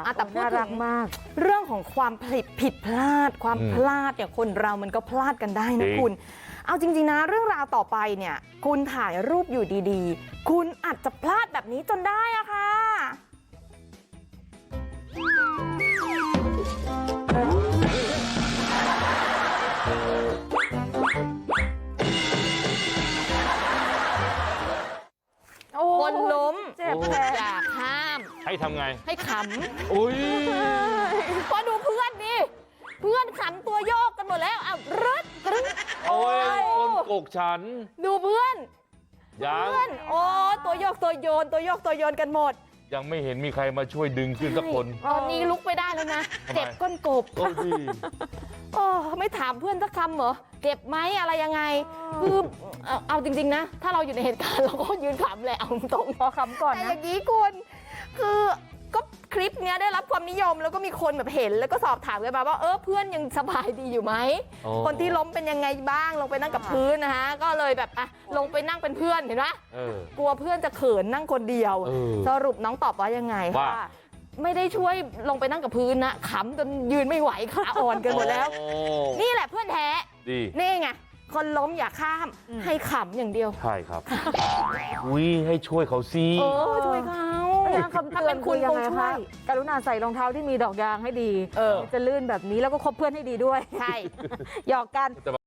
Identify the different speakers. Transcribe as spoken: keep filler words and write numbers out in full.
Speaker 1: แต่พูด
Speaker 2: น่า
Speaker 1: ถึ
Speaker 2: รัก
Speaker 1: ง
Speaker 2: มาก
Speaker 1: เรื่องของความผิดผิดพลาด ความ
Speaker 3: อืม
Speaker 1: พลาดเนี่ยคนเรามันก็พลาดกันได้นะ
Speaker 3: จริง
Speaker 1: คุณ เอาจริงๆนะเรื่องราวต่อไปเนี่ย คุณถ่ายรูปอยู่ดีๆ คุณอาจจะพลาดแบบนี้จนได้อะค่ะ
Speaker 2: โอ้
Speaker 1: คนล้ม
Speaker 2: เจ็บแผล
Speaker 1: อย่าข้าม
Speaker 3: ให้ทำไง
Speaker 1: ให้ข
Speaker 3: อุ้ย
Speaker 1: ำพอดูเพื่อนดิเพื่อนขำตัวโยกกันหมดแล้วอ้าวรึดกรึ๊ด
Speaker 3: โอ้ยคนกกฉัน
Speaker 1: ดูเพื่อน
Speaker 3: ยัง
Speaker 1: เพื่อนโอ้ตัวโยกตัวโยนตัวโยกตัวโยนกันหมด
Speaker 3: ยังไม่เห็นมีใครมาช่วยดึงขึ้นสักคน
Speaker 1: ตอนนี้ลุกไม่ได้แล้วนะ
Speaker 3: ทำไม
Speaker 1: เจ็บก้นกบ
Speaker 3: โอ้ดี
Speaker 1: โอ้ไม่ถามเพื่อนสักคำเหรอเจ็บไหมอะไรยังไงคือเอาเอาจริงๆนะ ถ้าเราอยู่ในเหตุการณ์เราก็ยืนขำแหละเอาตรง
Speaker 2: พอคำก่อน
Speaker 1: แต่อ
Speaker 2: นะ
Speaker 1: ย่างนี้คุณคือก็คลิปเนี้ยได้รับความนิยมแล้วก็มีคนแบบเห็นแล้วก็สอบถามกันมาว่าเออเพื่อนยังสบายดีอยู่ไหม
Speaker 3: โอ้
Speaker 1: คนที่ล้มเป็นยังไงบ้างลงไปนั่งกับพื้นนะคะก็เลยแบบอ่ะลงไปนั่งเป็นเพื่อนเห็นไหม
Speaker 3: เออ
Speaker 1: กลัวเพื่อนจะเขินนั่งคนเดียว
Speaker 3: เออ
Speaker 1: สรุปน้องตอบว่ายังไง
Speaker 3: ว่า
Speaker 1: ค่ะไม่ได้ช่วยลงไปนั่งกับพื้นนะขำจนยืนไม่ไหวขาอ่อนกันหมดแล้ว
Speaker 3: โอ้
Speaker 1: นี่แหละเพื่อนแท้
Speaker 3: ดี
Speaker 1: นี่ไงคนล้มอย่าข้าม
Speaker 2: อืม
Speaker 1: ให้ขำอย่างเดียว
Speaker 3: ใช่ครับอุ้ยให้ช่วยเขาสิ
Speaker 1: เออช่วยเขา
Speaker 2: คำเตือนคือยังไงคะกรุณาใส่รองเท้าที่มีดอกยางให้ดี
Speaker 1: เออ
Speaker 2: จะลื่นแบบนี้แล้วก็คบเพื่อนให้ดีด้วย
Speaker 1: ใช่
Speaker 2: หยอกกัน